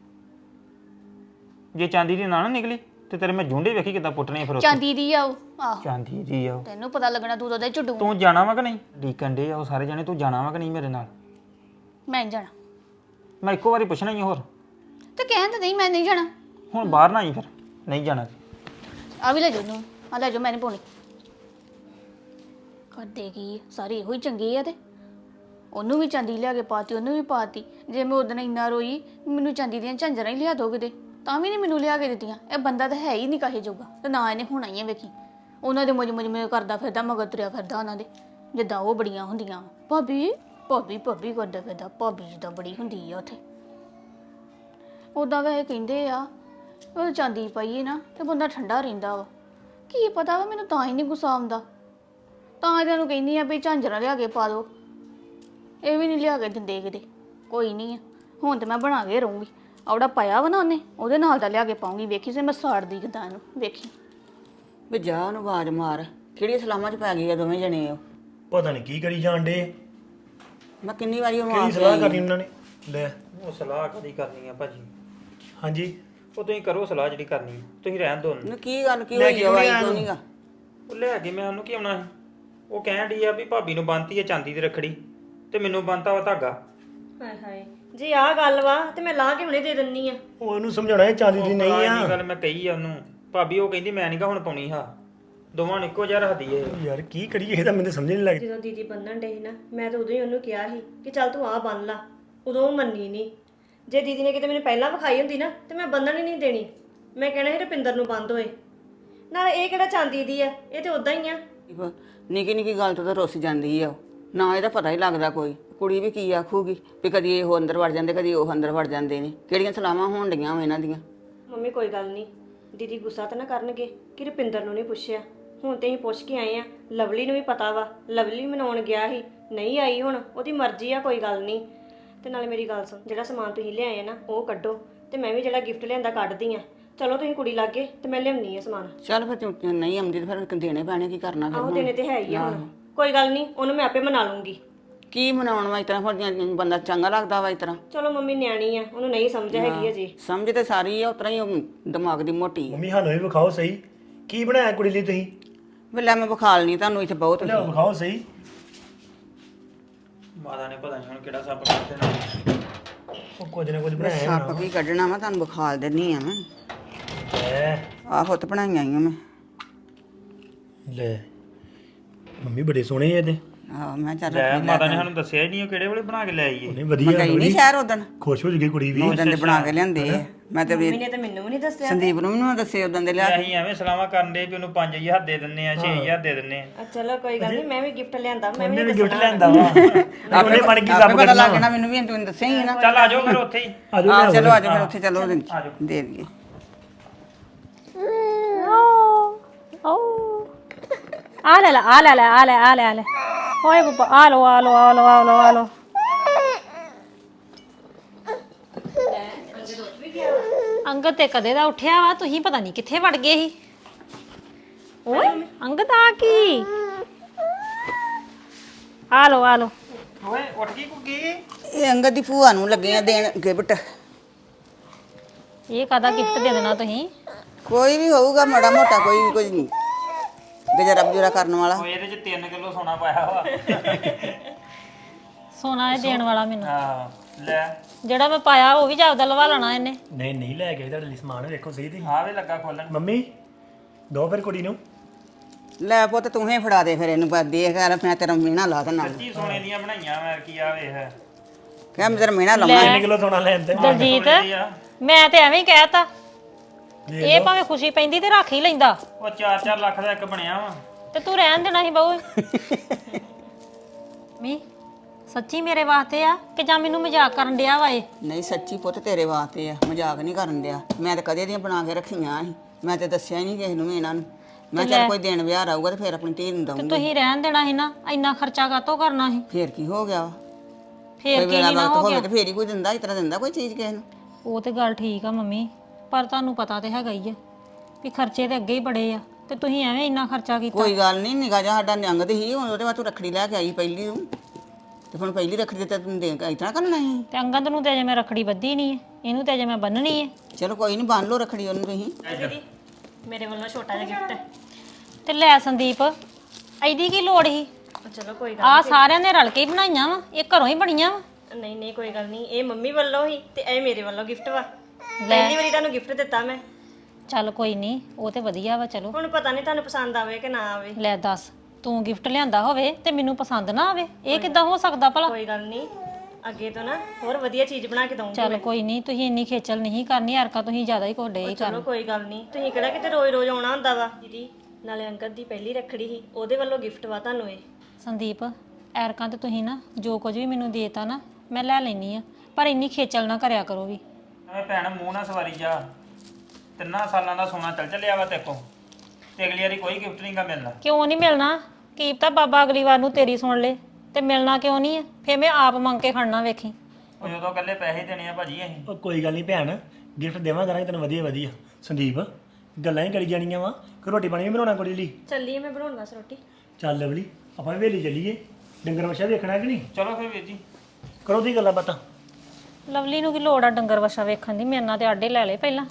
Speaker 1: ਜੇ ਚਾਂਦੀ ਦੀ ਨਾ ਨਿਕਲੀ ਤੇ ਤੇਰੇ ਮੈਂ ਜੁੰਡੇ ਵੇਖੀ ਕਿੱਦਾਂ ਪੁੱਟਣੇ ਫਿਰ ਉੱਥੇ।
Speaker 2: ਚਾਂਦੀ ਦੀ ਆ ਉਹ। ਆਹੋ
Speaker 1: ਚਾਂਦੀ ਦੀ ਆ ਉਹ।
Speaker 2: ਤੈਨੂੰ ਪਤਾ ਲੱਗਣਾ ਤੂੰ ਉਹਦੇ ਝੁੱਡੂ।
Speaker 1: ਤੂੰ ਜਾਣਾ ਵਾ ਕਿ ਨਹੀਂ? ਡੀਕਨ ਡੇ ਆ ਉਹ ਸਾਰੇ ਜਾਣੇ, ਤੂੰ ਜਾਣਾ ਵਾ ਕਿ ਨਹੀਂ ਮੇਰੇ ਨਾਲ?
Speaker 2: ਮੈਂ ਨੀ ਜਾਣਾ।
Speaker 1: ਮੈਂ ਇੱਕੋ ਵਾਰੀ ਪੁੱਛਣਾ ਹੀ ਹੋਰ।
Speaker 2: ਤੇ ਕਹਿੰਦੇ ਨਹੀਂ ਮੈਂ ਨਹੀਂ ਜਾਣਾ।
Speaker 1: ਹੁਣ ਬਾਹਰ ਨਾ ਆਈ ਫਿਰ, ਨਹੀਂ ਜਾਣਾ।
Speaker 2: ਆ ਵੀ ਲੈ ਜਾਓ ਨੂੰ, ਆ ਲੈ ਜਾਓ, ਮੈਂ ਨਹੀਂ ਪਾਉਣੀ। ਕਰਦੇ ਕੀ ਸਾਰੇ ਇਹੋ ਹੀ ਚੰਗੇ ਆ। ਤੇ ਉਹਨੂੰ ਵੀ ਚਾਂਦੀ ਲਿਆ ਕੇ ਪਾਤੀ, ਉਹਨੂੰ ਵੀ ਪਾਤੀ। ਜੇ ਮੈਂ ਉਦੋਂ ਇੰਨਾ ਰੋਈ ਮੈਨੂੰ ਚਾਂਦੀ ਦੀਆਂ ਝਾਂਜਰਾਂ ਹੀ ਲਿਆ ਦੋ ਕਿਤੇ, ਤਾਂ ਵੀ ਨਹੀਂ ਮੈਨੂੰ ਲਿਆ ਕੇ ਦਿੱਤੀਆਂ। ਇਹ ਬੰਦਾ ਤਾਂ ਹੈ ਹੀ ਨਹੀਂ ਕਾਹੇ ਜੋਗਾ ਤੇ ਨਾ ਇਹਨੇ ਹੋਣਾ ਹੀ ਆ। ਵੇਖੀ ਉਹਨਾਂ ਦੇ ਮੁਝ ਮੈਨੂੰ ਕਰਦਾ ਫਿਰਦਾ, ਮਗਰ ਤੁਰਿਆ ਫਿਰਦਾ ਉਹਨਾਂ ਦੇ, ਜਿੱਦਾਂ ਉਹ ਬੜੀਆਂ ਹੁੰਦੀਆਂ। ਭਾਬੀ ਭਾਬੀ ਭਾਬੀ ਕਰਦਾ ਫਿਰਦਾ। ਭਾਬੀ ਜਿੱਦਾਂ ਬੜੀ ਹੁੰਦੀ ਆ ਉੱਥੇ। ਉੱਦਾਂ ਵੈਸੇ ਕਹਿੰਦੇ ਆ ਉਹ ਚਾਂਦੀ ਪਾਈਏ ਨਾ ਤੇ ਬੰਦਾ ਠੰਡਾ ਰਹਿੰਦਾ ਵਾ। ਕੀ ਪਤਾ ਵਾ, ਮੈਨੂੰ ਤਾਂ ਹੀ ਨਹੀਂ ਗੁੱਸਾ ਆਉਂਦਾ। ਤਾਂ ਇਹਨਾਂ ਨੂੰ ਕਹਿੰਦੀ ਆ ਵੀ ਝਾਂਜਰਾਂ ਲਿਆ ਕੇ ਪਾ ਦਿਓ। ਇਹ ਵੀ ਨਹੀਂ ਲਿਆ ਕੇ ਦਿੰਦੇ ਕਿਤੇ। ਕੋਈ ਨਹੀਂ ਆ, ਹੁਣ ਤੇ ਮੈਂ ਬਣਾ ਕੇ ਰਹੂੰਗੀ। ਆਉੜਾ ਪਾਇਆ ਵਾ ਨਾ ਉਹਨੇ, ਉਹਦੇ ਨਾਲ ਦਾ ਲਿਆ ਕੇ ਪਾਉਂਗੀ। ਵੇਖੀ ਸੇ ਮੈਂ ਸਾੜਦੀ ਕਿਦਾਂ ਇਹਨੂੰ, ਵੇਖੀ।
Speaker 3: ਵੀ ਜਾ ਉਹਨੂੰ ਆਵਾਜ਼ ਮਾਰ। ਕਿਹੜੀ ਸਲਾਮਾਂ 'ਚ ਪੈ ਗਈ ਆ ਦੋਵੇਂ ਜਣੇ ਉਹ?
Speaker 5: ਪਤਾ ਨਹੀਂ ਕੀ ਕਰੀ ਜਾਣ ਡੇ।
Speaker 3: ਮੈਂ ਕਿੰਨੀ ਵਾਰੀ ਉਹਨੂੰ
Speaker 5: ਕਿਹੜੀ
Speaker 3: ਆਖ
Speaker 5: ਸਲਾਹ
Speaker 3: ਲਈ।
Speaker 5: ਕਰਨੀ ਉਹਨਾਂ ਨੇ? ਲੈ
Speaker 1: ਉਹ ਸਲਾਹ ਕਦੀ ਕਰਨੀ ਆ ਭਾਜੀ?
Speaker 5: ਹਾਂਜੀ
Speaker 1: ਉਹ ਤੁਸੀਂ ਕਰੋ ਸਲਾਹ ਜਿਹੜੀ ਕਰਨੀ ਆ, ਤੁਸੀਂ ਰਹਿਣ ਦਿਓ ਉਹਨੂੰ।
Speaker 3: ਨੂੰ ਕੀ ਗੱਲ ਕੀ ਹੋਈ ਆ? ਵਾਈ ਕਿਉਂ ਨਹੀਂਗਾ?
Speaker 1: ਉਹ ਲੈ ਕੇ ਮੈਂ ਉਹਨੂੰ ਕੀ ਆਉਣਾ ਸੀ? ਉਹ ਕਹਿਣ ਡਈ ਆ ਵੀ ਭਾਬੀ ਨੂੰ ਬੰਨਤੀ ਆ ਚਾਂਦੀ ਦੀ ਰੱਖੜੀ ਤੇ ਮੈਨੂੰ ਬੰਨਤਾ ਵਾ ਧਾਗਾ।
Speaker 6: ਹਾਏ ਹਾਏ ਜੇ ਆਹ ਗੱਲ ਵਾ ਤੇ ਮੈਂ ਲਾ ਕੇ ਹੁਣੇ ਦੇ ਦਿੰਨੀ ਆ।
Speaker 5: ਉਹ ਉਹਨੂੰ ਸਮਝਾਉਣਾ ਇਹ ਚਾਂਦੀ ਦੀ ਨਹੀਂ ਆ
Speaker 1: ਇਹ ਗੱਲ ਮੈਂ ਕਹੀ ਆ ਉਹਨੂੰ ਭਾਬੀ ਉਹ ਕਹਿੰਦੀ ਮੈਂ ਨਹੀਂਗਾ ਹੁਣ ਪਾਉਣੀ ਹਾਂ ਦੋਵਾਂ ਨੂੰ ਇੱਕੋ ਜਿਹਾ ਰੱਖਦੀ ਏ
Speaker 5: ਯਾਰ ਕੀ ਕਰੀਏ ਇਹ ਤਾਂ ਮੈਨੂੰ ਸਮਝ ਨਹੀਂ ਲੱਗਦੀ।
Speaker 6: ਜਦੋਂ ਦੀਦੀ ਬੰਨਣ ਡੇ ਸੀ ਨਾ ਮੈਂ ਤਾਂ ਉਦੋਂ ਹੀ ਉਹਨੂੰ ਕਿਹਾ ਸੀ ਕਿ ਚੱਲ ਤੂੰ ਆਹ ਬੰਨ ਲਾ, ਉਦੋਂ ਉਹ ਮੰਨੀ ਨਹੀਂ। ਜੇ ਦੀਦੀ ਨੇ ਕਿਤੇ ਮੈਨੂੰ ਪਹਿਲਾਂ ਵਿਖਾਈ ਹੁੰਦੀ ਨਾ ਤੇ ਮੈਂ ਬੰਨਣ ਹੀ ਨਹੀਂ ਦੇਣੀ, ਮੈਂ ਕਹਿਣਾ ਸੀ ਰੁਪਿੰਦਰ ਨੂੰ ਬੰਦ ਹੋਏ। ਨਾਲ ਇਹ ਕਿਹੜਾ ਚਾਂਦੀ ਦੀ ਆ, ਇਹ ਤੇ ਉਦਾਂ ਹੀ ਆ।
Speaker 3: ਨਿੱਕੀ ਨਿੱਕੀ ਗੱਲ ਤੋਂ ਤਾਂ ਰੁੱਸ ਜਾਂਦੀ ਆ ਉਹ। ਨਾ ਇਹਦਾ ਪਤਾ ਹੀ ਲੱਗਦਾ ਕੋਈ। ਕੁੜੀ ਵੀ ਕੀ ਆਖੂਗੀ ਵੀ ਕਦੀ ਇਹ ਅੰਦਰ ਵੜ ਜਾਂਦੇ ਕਦੀ ਉਹ ਅੰਦਰ ਵੜ ਜਾਂਦੇ ਨੇ। ਕਿਹੜੀਆਂ ਸਲਾਹਾਂ ਹੋਣ ਡੀਆਂ ਵਾ ਇਹਨਾਂ ਦੀਆਂ।
Speaker 6: ਮੰਮੀ ਕੋਈ ਗੱਲ ਨਹੀਂ, ਦੀਦੀ ਗੁੱਸਾ ਤਾਂ ਨਾ ਕਰਨਗੇ ਕਿ ਰੁਪਿੰਦਰ ਨੂੰ ਨਹੀਂ ਪੁੱਛਿਆ। ਹੁਣ ਤੇ ਅਸੀਂ ਪੁੱਛ ਕੇ ਆਏ ਆ, ਲਵਲੀ ਨੂੰ ਵੀ ਪਤਾ ਵਾ, ਲਵਲੀ ਮਨਾਉਣ ਗਿਆ ਸੀ ਨਹੀਂ ਆਈ, ਹੁਣ ਉਹਦੀ ਮਰਜ਼ੀ ਆ, ਕੋਈ ਗੱਲ ਨਹੀਂ। ਤੇ ਨਾਲੇ ਮੇਰੀ ਗੱਲ ਸੁਣ, ਜਿਹੜਾ ਸਮਾਨ ਤੁਸੀਂ ਲਿਆਏ ਆ ਨਾ ਉਹ ਕੱਢੋ, ਤੇ ਮੈਂ ਵੀ ਜਿਹੜਾ ਗਿਫਟ ਲਿਆਂਦਾ ਕੱਢਦੀ ਆ। ਚਲੋ ਤੁਸੀਂ ਕੁੜੀ ਲਾਗੇ ਤੇ ਮੈਂ ਲਿਆਉਣੀ ਆ ਸਮਾਨ।
Speaker 3: ਚੱਲ ਫਿਰ ਤੂੰ ਨਹੀਂ ਆਉਂਦੀ ਤੇ ਫਿਰ ਦੇਣੇ ਪੈਣੇ, ਕੀ ਕਰਨਾ ਫਿਰ
Speaker 6: ਆਹੋ
Speaker 3: ਹੁਣ?
Speaker 6: ਦੇਣੇ ਤੇ ਹੈ ਹੀ ਆ ਹੁਣ, ਕੋਈ ਗੱਲ ਨਹੀਂ, ਉਹਨੂੰ ਮੈਂ ਆਪੇ ਮਨਾ ਲੂੰਗੀ।
Speaker 3: ਕੀ ਮਨਾਉਣ ਵਾ ਇਸ ਤਰ੍ਹਾਂ ਫਿਰ ਬੰਦਾ ਚੰਗਾ ਲੱਗਦਾ ਵਾ ਇਸ ਤਰ੍ਹਾਂ?
Speaker 6: ਚਲੋ ਮੰਮੀ ਨਿਆਣੀ ਆ, ਉਹਨੂੰ ਨਹੀਂ ਸਮਝ ਹੈਗੀ ਅਜੇ।
Speaker 3: ਸਮਝ ਤੇ ਸਾਰੀ ਆ, ਉਤਰਾ ਹੀ ਉਹ ਦਿਮਾਗ ਦੀ ਮੋਟੀ ਆ।
Speaker 5: ਮੰਮੀ ਸਾਨੂੰ ਵੀ ਵਿਖਾਓ ਸਹੀ ਕੀ ਬਣਾਇਆ ਕੁੜੀ ਲਈ ਤੁਸੀਂ।
Speaker 3: ਵੀ ਲੈ ਮੈਂ ਵਿਖਾਲ ਨਹੀਂ ਤੁਹਾਨੂੰ ਇੱਥੇ ਬਹੁਤ।
Speaker 5: ਲਿਆਓ ਵਿਖਾਓ ਸਹੀ।
Speaker 1: ਮਾਤਾ ਨੇ ਪਤਾ ਨਹੀਂ ਹੁਣ ਕਿਹੜਾ ਸੱਪ ਕੱਢ ਦੇਣਾ
Speaker 5: ਉਹ ਕੁਝ ਨਾ ਕੁਝ ਬਣਾਇਆ
Speaker 3: ਸੱਪ ਕੀ ਕੱਢਣਾ ਵਾ, ਤੁਹਾਨੂੰ ਵਿਖਾਲ ਦਿੰਨੀ ਆ ਮੈਂ।
Speaker 5: ਲੈ
Speaker 3: ਆਹੋ ਤੇ ਬਣਾਈਆਂ ਆਈਆਂ ਮੈਂ।
Speaker 5: ਲੈ ਮੰਮੀ ਬੜੇ ਸੋਹਣੇ ਆ ਇਹਦੇ।
Speaker 3: ਆਹ ਮੈਂ ਚੱਲ
Speaker 1: ਲੈ ਮਾਤਾ ਨੇ ਸਾਨੂੰ ਦੱਸਿਆ ਹੀ ਨਹੀਂ ਉਹ ਕਿਹੜੇ ਵੇਲੇ ਬਣਾ ਕੇ ਲੈ ਆਈਏ
Speaker 5: ਨਹੀਂ ਵਧੀਆ
Speaker 3: ਗਈ ਨਹੀਂ ਸ਼ਹਿਰ ਉਦਣ,
Speaker 5: ਖੁਸ਼ ਹੋ ਜੂਗੀ ਕੁੜੀ ਵੀ।
Speaker 3: ਉਦਣ ਦੇ ਬਣਾ ਕੇ ਲਿਆਂਦੇ ਆ। ਮੈਂ ਤੇ
Speaker 6: ਮੰਮੀ ਨੇ ਤਾਂ ਮੈਨੂੰ ਵੀ ਨਹੀਂ ਦੱਸਿਆ।
Speaker 3: ਸੰਦੀਪ ਨੂੰ ਵੀ ਦੱਸੇ ਉਦਣ ਦੇ ਲਿਆ ਕੇ।
Speaker 1: ਅਸੀਂ ਐਵੇਂ ਸਲਾਹਾਂ ਕਰਨ ਦੇ ਵੀ ਉਹਨੂੰ 5000 ਦੇ ਦਿੰਨੇ ਆ 6000 ਦੇ ਦਿੰਨੇ ਆ
Speaker 6: ਚਲੋ ਕੋਈ ਗੱਲ ਨਹੀਂ, ਮੈਂ ਵੀ ਗਿਫਟ ਲਿਆਂਦਾ, ਮੈਂ
Speaker 5: ਉਹਨੇ
Speaker 6: ਵੀ
Speaker 5: ਵੀ ਗਿਫਟ ਲਿਆਂਦਾ ਵਾ ਉਹਨੇ ਬਣ ਕੇ
Speaker 3: ਆਪੇ
Speaker 5: ਸਭ
Speaker 3: ਪਤਾ
Speaker 5: ਕਰਨਾ
Speaker 3: ਲੱਗ ਜਾਣਾ ਮੈਨੂੰ ਵੀ, ਤੂੰ ਦੱਸਿਆ ਹੀ ਨਾ।
Speaker 1: ਚੱਲ ਆ ਜਾਓ ਫਿਰ ਉੱਥੇ ਹੀ
Speaker 3: ਆਹ ਚਲੋ ਆਜੋ ਫਿਰ ਉੱਥੇ ਚਲੋ ਦੇ ਦਈਏ।
Speaker 4: ਆ ਲੈ ਲੈ ਆ ਲੈ ਲੈ ਆ ਲੈ ਆ ਲੈ ਆ ਲੈ ਓਏ ਬੱਬਾ ਆ ਲੋ ਆ ਲੋ ਆ ਲੋ ਆ ਲੋ ਆ ਲੋ। ਅੰਗਦ ਤੇ ਕਦੇ ਦਾ ਉੱਠਿਆ ਵਾ, ਤੁਸੀਂ ਪਤਾ ਨਹੀਂ ਕਿੱਥੇ ਵੜ ਗਏ ਸੀ। ਓਏ ਅੰਗਦ ਆ ਕੀ ਆ ਲੋ ਆ ਲੋ।
Speaker 1: ਓਏ ਉੱਠ ਗਈ ਕੁੱਗੀ
Speaker 3: ਇਹ ਅੰਗਦ ਦੀ ਭੂਆ ਨੂੰ ਲੱਗੇ ਆ ਦੇਣ ਗਿਫਟ।
Speaker 4: ਇਹ ਕਾਹਦਾ ਗਿਫਟ ਦੇ ਦੇਣਾ ਤੁਸੀਂ?
Speaker 3: ਕੋਈ ਵੀ ਹੋਊਗਾ ਮਾੜਾ ਮੋਟਾ, ਕੋਈ ਗੁਜ਼ਾਰਾ ਬਜੂਰਾ ਕਰਨ ਵਾਲਾ।
Speaker 1: ਓਏ ਇਹਦੇ ਚ 3 ਕਿਲੋ ਸੋਨਾ ਪਾਇਆ ਵਾ
Speaker 4: ਸੋਨਾ ਇਹ ਦੇਣ ਵਾਲਾ ਮੈਨੂੰ,
Speaker 1: ਹਾਂ ਲੈ
Speaker 4: ਜਿਹੜਾ ਮੈਂ ਪਾਇਆ ਉਹ ਵੀ ਜਾਪਦਾ ਲਵਾ ਲੈਣਾ ਇਹਨੇ।
Speaker 5: ਨਹੀਂ ਨਹੀਂ ਲੈ ਕੇ ਤੁਹਾਡੇ ਲਈ ਸਮਾਨ ਵੇਖੋ ਸਹੀ ਤੇ।
Speaker 1: ਆ ਵੀ ਲੱਗਾ ਖੋਲਣ
Speaker 5: ਮੰਮੀ ਦੋ ਫਿਰ ਕੁੜੀ ਨੂੰ।
Speaker 3: ਲੈ ਪੁੱਤ ਤੂੰ ਹੀ ਫੜਾ ਦੇ ਫਿਰ ਇਹਨੂੰ, ਬਸ ਦੇਖ ਯਾਰ ਮੈਂ ਤੇਰਾ ਮੀਣਾ ਲਾ ਦੇਣਾ।
Speaker 1: ਕੀ ਸੋਨੇ ਦੀਆਂ ਬਣਾਈਆਂ ਮੈਂ ਕੀ ਆ ਵੇਖ
Speaker 3: ਕਹਿ ਮੈਂ ਤੇਰਾ ਮੀਣਾ ਲਾਉਣਾ।
Speaker 5: 3 ਕਿਲੋ ਸੋਨਾ ਲੈਣ ਤੇ
Speaker 4: ਦਲਜੀਤ ਮੈਂ ਤੇ ਐਵੇਂ ਹੀ ਕਹਿਤਾ, ਇਹ ਭਾਵੇਂ ਖੁਸ਼ੀ ਪੈਂਦੀ ਤੇ ਰੱਖ ਹੀ ਲੈਂਦਾ,
Speaker 1: ਉਹ 4-4 ਲੱਖ ਦਾ ਇੱਕ ਬਣਿਆ ਵਾ
Speaker 4: ਤੇ ਤੂੰ ਰਹਿਣ ਦੇਣਾ ਸੀ ਬਹੂ। ਮੀ ਸੱਚੀ ਮੇਰੇ ਵਾਸਤੇ ਆ ਕਿ ਜਾਂ ਮੈਨੂੰ ਮਜ਼ਾਕ ਕਰਨ ਡਿਆ ਵਾ ਇਹ?
Speaker 3: ਨਹੀਂ ਸੱਚੀ ਪੁੱਤ ਤੇਰੇ ਵਾਸਤੇ ਆ, ਮਜ਼ਾਕ ਨਹੀਂ ਕਰਨ ਦਿਆ। ਮੈਂ ਤਾਂ ਕਦੇ ਦੀਆਂ ਬਣਾ ਕੇ ਰੱਖੀਆਂ ਸੀ, ਮੈਂ ਤੇ ਦੱਸਿਆ ਹੀ ਨਹੀਂ ਕਿਸੇ ਨੂੰ ਵੀ ਇਹਨਾਂ ਨੂੰ। ਮੈਂ ਚੱਲ ਕੋਈ ਦਿਨ ਵਿਆਹ ਆਊਗਾ ਤੇ ਫਿਰ ਆਪਣੀ ਧੀ ਨੂੰ
Speaker 4: ਤੇ
Speaker 3: ਦਊਂਗੀ।
Speaker 4: ਤੁਸੀਂ ਰਹਿਣ ਦੇਣਾ ਸੀ ਨਾ, ਇੰਨਾ ਖਰਚਾ ਕਾਤੋਂ ਕਰਨਾ ਸੀ?
Speaker 3: ਫੇਰ ਕੀ ਹੋ ਗਿਆ ਵਾ?
Speaker 4: ਫੇਰ
Speaker 3: ਕੋਈ
Speaker 4: ਕੀ
Speaker 3: ਵੇਲਾ
Speaker 4: ਨਹੀਂ ਨਾ
Speaker 3: ਵਕਤ
Speaker 4: ਹੋ
Speaker 3: ਹੋਵੇ
Speaker 4: ਗਿਆ?
Speaker 3: ਤੇ ਫੇਰ ਹੀ ਕੋਈ ਦਿੰਦਾ, ਇਸ ਤਰ੍ਹਾਂ ਦਿੰਦਾ ਕੋਈ ਚੀਜ਼ ਕਿਸੇ ਨੂੰ?
Speaker 4: ਉਹ ਤੇ ਗੱਲ ਠੀਕ ਆ ਮੰਮੀ, ਪਰ ਤੁਹਾਨੂੰ ਪਤਾ ਤੇ ਹੈਗਾ ਹੀ ਆ ਵੀ ਖਰਚੇ ਤੇ ਅੱਗੇ ਹੀ ਬੜੇ ਆ, ਤੇ ਤੁਸੀਂ ਐਵੇਂ ਇੰਨਾ ਖਰਚਾ ਕੀਤਾ।
Speaker 3: ਕੋਈ ਗੱਲ ਨਹੀਂ, ਨਿਗਾਹ ਜਾ ਸਾਡਾ ਨਿਆਂਗ ਦੀ ਸੀ, ਹੁਣ ਉਹਦੇ ਬਾਅਦ ਤੂੰ ਰੱਖੜੀ ਲੈ ਕੇ ਆਈ ਪਹਿਲੀ ਨੂੰ, ਤੇ ਹੁਣ ਪਹਿਲੀ ਰੱਖੜੀ ਤੇ ਤੈਨੂੰ ਦੇ ਇਸ ਤਰ੍ਹਾਂ ਕਰਨਾ ਸੀ?
Speaker 4: ਤੇ ਅੰਗਦ ਨੂੰ ਤੇ ਅਜੇ ਮੈਂ ਰੱਖੜੀ ਬੱਧੀ ਨਹੀਂ ਹੈ, ਇਹਨੂੰ ਤੇ ਅਜੇ ਮੈਂ ਬੰਨਣੀ ਹੈ।
Speaker 3: ਚਲੋ ਕੋਈ ਨਹੀਂ, ਬੰਨ ਲਓ ਰੱਖੜੀ ਉਹਨੂੰ ਤੁਸੀਂ।
Speaker 6: ਦੀਦੀ ਮੇਰੇ ਵੱਲੋਂ ਛੋਟਾ ਜਿਹਾ ਗਿਫਟ ਹੈ।
Speaker 4: ਤੇ ਲੈ ਸੰਦੀਪ, ਐਡੀ ਕੀ ਲੋੜ ਸੀ?
Speaker 6: ਚਲੋ ਕੋਈ ਗੱਲ
Speaker 4: ਆ ਸਾਰਿਆਂ ਨੇ ਰਲ ਕੇ ਹੀ ਬਣਾਈਆਂ ਵਾ, ਇਹ ਘਰੋਂ ਹੀ ਬਣੀਆਂ ਵਾ।
Speaker 6: ਨਹੀਂ ਨਹੀਂ ਕੋਈ ਗੱਲ ਨਹੀਂ, ਇਹ ਮੰਮੀ ਵੱਲੋਂ ਹੀ ਤੇ ਇਹ ਮੇਰੇ ਵੱਲੋਂ ਗਿਫਟ ਵਾ। ਪਹਿਲੀ ਵਾਰੀ ਤੁਹਾਨੂੰ ਗਿਫਟ ਦਿੱਤਾ ਮੈਂ।
Speaker 4: ਚੱਲ ਕੋਈ ਨਹੀਂ, ਉਹ ਤੇ ਵਧੀਆ ਵਾ। ਚਲੋ
Speaker 6: ਹੁਣ ਪਤਾ ਨਹੀਂ ਤੁਹਾਨੂੰ ਪਸੰਦ ਆਵੇ ਕਿ ਨਾ ਆਵੇ।
Speaker 4: ਲੈ ਦੱਸ, ਤੂੰ ਗਿਫਟ ਲਿਆਂਦਾ ਹੋਵੇ ਤੇ ਮੈਨੂੰ ਪਸੰਦ ਨਾ ਆਵੇ, ਇਹ ਕਿੱਦਾਂ ਹੋ ਸਕਦਾ ਭਲਾ?
Speaker 6: ਕੋਈ ਗੱਲ ਨਹੀਂ, ਅੱਗੇ ਤੋਂ ਨਾ ਹੋਰ ਵਧੀਆ ਚੀਜ਼ ਬਣਾ ਕੇ ਦਊਂਗੀ।
Speaker 4: ਚੱਲ ਕੋਈ ਨਹੀਂ, ਤੁਸੀਂ ਇੰਨੀ ਖੇਚਲ ਨਹੀਂ ਕਰਨੀ, ਹਰਕਾ ਤੁਸੀਂ ਜ਼ਿਆਦਾ ਹੀ ਕੋਡੇ ਹੀ ਕਰ।
Speaker 6: ਚਲੋ ਕੋਈ ਗੱਲ ਨਹੀਂ, ਤੁਸੀਂ ਕਿਹੜਾ ਕਿਤੇ ਰੋਜ਼ ਆਉਣਾ ਹੁੰਦਾ ਵਾ। ਦੀਦੀ ਨਾਲੇ ਅੰਕਲ ਦੀ ਪਹਿਲੀ ਰੱਖੜੀ ਸੀ, ਉਹਦੇ ਵੱਲੋਂ ਗਿਫਟ ਵਾ ਤੁਹਾਨੂੰ ਇਹ।
Speaker 4: ਸੰਦੀਪ ਐਰਕਾਂ ਤੇ ਤੁਸੀਂ ਨਾ ਜੋ ਕੁਝ ਵੀ ਮੈਨੂੰ ਦੇਤਾ ਨਾ ਮੈਂ ਲੈ ਲੈਣੀ ਆ, ਪਰ ਇੰਨੀ ਖੇਚਲ ਨਾ ਕਰਿਆ ਕਰੋ ਵੀ।
Speaker 1: ਐਵੇਂ ਭੈਣ ਮੂੰਹ ਨਾ ਸਵਾਰੀ ਜਾ, 3 ਸਾਲਾਂ ਦਾ ਸੋਨਾ ਚੱਲ ਚੱਲਿਆ ਵਾ ਤੇਕੋ, ਤੇ ਅਗਲੀ ਵਾਰੀ ਕੋਈ ਗਿਫਟ ਨਹੀਂਗਾ ਮਿਲਣਾ।
Speaker 4: ਕਿਉਂ ਨਹੀਂ ਮਿਲਣਾ? ਕੀ ਪਤਾ ਬਾਬਾ ਅਗਲੀ ਵਾਰ ਨੂੰ ਤੇਰੀ ਸੁਣ ਲੇ ਤੇ ਮਿਲਣਾ ਕਿਉਂ ਨਹੀਂ ਹੈ? ਫੇਰ ਮੈਂ ਆਪ ਮੰਗ ਕੇ ਖੜਨਾ, ਵੇਖੀ।
Speaker 1: ਉਹ ਜਦੋਂ ਇਕੱਲੇ ਪੈਸੇ ਦੇਣੇ ਆ ਭਾਜੀ ਅਸੀਂ।
Speaker 5: ਉਹ ਕੋਈ ਗੱਲ ਨਹੀਂ ਭੈਣ, ਗਿਫਟ ਦੇਵਾਂ ਕਰਾਂਗੇ ਤੈਨੂੰ ਵਧੀਆ ਵਧੀਆ। ਸੰਦੀਪ ਗੱਲਾਂ ਹੀ ਕਰੀ ਜਾਣੀਆਂ ਵਾ, ਕਿ ਰੋਟੀ ਪਾਣੀ ਵੀ ਬਣਾਉਣਾ ਕੁੜੀ ਲਈ।
Speaker 6: ਚੱਲੀਏ ਮੈਂ ਬਣਾਉਣ ਵਾਸਤੇ ਰੋਟੀ।
Speaker 5: ਚੱਲ ਲਵਲੀ ਆਪਾਂ ਵੇਲੀ ਚੱਲੀਏ, ਡੰਗਰ ਵਛਾ ਵੇਖਣਾ ਕਿ ਨਹੀਂ?
Speaker 1: ਚਲੋ ਫਿਰ ਵੀਰ ਜੀ
Speaker 5: ਕਰੋ ਦੀ ਗੱਲਾਂ ਬਾਤਾਂ।
Speaker 4: ਲਵਲੀ ਨੂੰ ਕੀ ਲੋੜ ਆ ਡੰਗਰ ਵਛਾ ਵੇਖਣ ਦੀ? ਮੇਰੇ ਨਾਲ ਤੇ ਆਡੇ ਲੈ ਲੈ ਪਹਿਲਾਂ।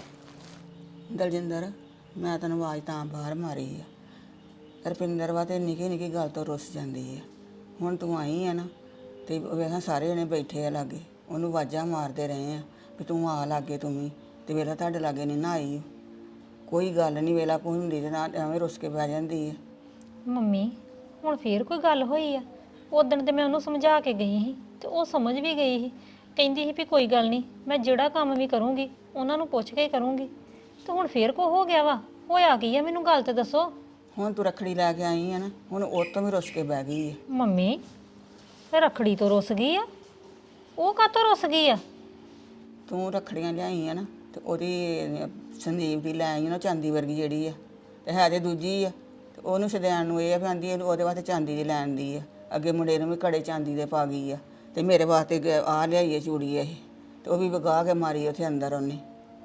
Speaker 3: ਦਲਜਿੰਦਰ ਮੈਂ ਤੈਨੂੰ ਆਵਾਜ਼ ਤਾਂ ਬਾਹਰ ਮਾਰੀ ਆ, ਰੁਪਿੰਦਰ ਵਾ ਤੇ ਨਿੱਕੀ ਨਿੱਕੀ ਗੱਲ ਤੋਂ ਰੁੱਸ ਜਾਂਦੀ ਆ। ਹੁਣ ਤੂੰ ਆਈ ਆ ਨਾ ਤੇ ਵੇਖਾਂ ਸਾਰੇ ਜਣੇ ਬੈਠੇ ਆ ਲਾਗੇ, ਉਹਨੂੰ ਆਵਾਜ਼ਾਂ ਮਾਰਦੇ ਰਹੇ ਆ ਵੀ ਤੂੰ ਆ ਲਾਗੇ ਤੂੰ ਵੀ, ਤੇ ਵੇਲਾ ਤੁਹਾਡੇ ਲਾਗੇ ਨਹੀਂ ਨਾ ਆਈ। ਕੋਈ ਗੱਲ ਨਹੀਂ, ਵੇਲਾ ਕੋਈ ਹੁੰਦੀ ਤੇ ਨਾ ਐਵੇਂ ਰੁੱਸ ਕੇ ਬਹਿ ਜਾਂਦੀ ਹੈ।
Speaker 4: ਮੰਮੀ ਹੁਣ ਫੇਰ ਕੋਈ ਗੱਲ ਹੋਈ ਆ? ਉਦਣ ਤੇ ਮੈਂ ਉਹਨੂੰ ਸਮਝਾ ਕੇ ਗਈ ਸੀ ਤੇ ਉਹ ਸਮਝ ਵੀ ਗਈ ਸੀ, ਕਹਿੰਦੀ ਸੀ ਵੀ ਕੋਈ ਗੱਲ ਨਹੀਂ, ਮੈਂ ਜਿਹੜਾ ਕੰਮ ਵੀ ਕਰੂੰਗੀ ਉਹਨਾਂ ਨੂੰ ਪੁੱਛ ਕੇ ਹੀ ਕਰੂੰਗੀ। ਤੇ ਹੁਣ ਫੇਰ ਕੋ ਹੋ ਗਿਆ ਵਾ? ਹੋਇਆ ਕੀ ਆ, ਮੈਨੂੰ ਗੱਲ ਤੇ ਦੱਸੋ।
Speaker 3: ਹੁਣ ਤੂੰ ਰੱਖੜੀ ਲੈ ਕੇ ਆਈ ਆ ਨਾ, ਹੁਣ ਉਹ ਤੋਂ ਵੀ ਰੁੱਸ ਕੇ ਬਹਿ ਗਈ ਹੈ।
Speaker 4: ਮੰਮੀ ਰੱਖੜੀ ਤੋਂ ਰੁੱਸ ਗਈ ਆ? ਉਹ ਕਾਹਤੋਂ ਰੁੱਸ ਗਈ ਆ?
Speaker 3: ਤੂੰ ਰੱਖੜੀਆਂ ਲਿਆਈ ਆ ਨਾ, ਤੇ ਉਹਦੀ ਸੰਦੀਪ ਦੀ ਲੈ ਆਈ ਨਾ ਚਾਂਦੀ ਵਰਗੀ ਜਿਹੜੀ ਆ, ਤੇ ਹੈ ਤੇ ਦੂਜੀ ਆ। ਤੇ ਉਹਨੂੰ ਸਦੈਣ ਨੂੰ ਇਹ ਆ ਵੀ ਆਂਦੀ ਉਹਦੇ ਵਾਸਤੇ ਚਾਂਦੀ ਦੀ ਲੈਣ ਦੀ ਆ। ਅੱਗੇ ਮੁੰਡੇ ਨੂੰ ਵੀ ਕੜੇ ਚਾਂਦੀ ਦੇ ਪਾ ਗਈ ਆ, ਤੇ ਮੇਰੇ ਵਾਸਤੇ ਆ ਲਿਆਈਏ ਚੂੜੀ ਇਹ, ਤੇ ਉਹ ਵੀ ਵਗਾ ਕੇ ਮਾਰੀ ਉੱਥੇ ਅੰਦਰ ਉਹਨੇ।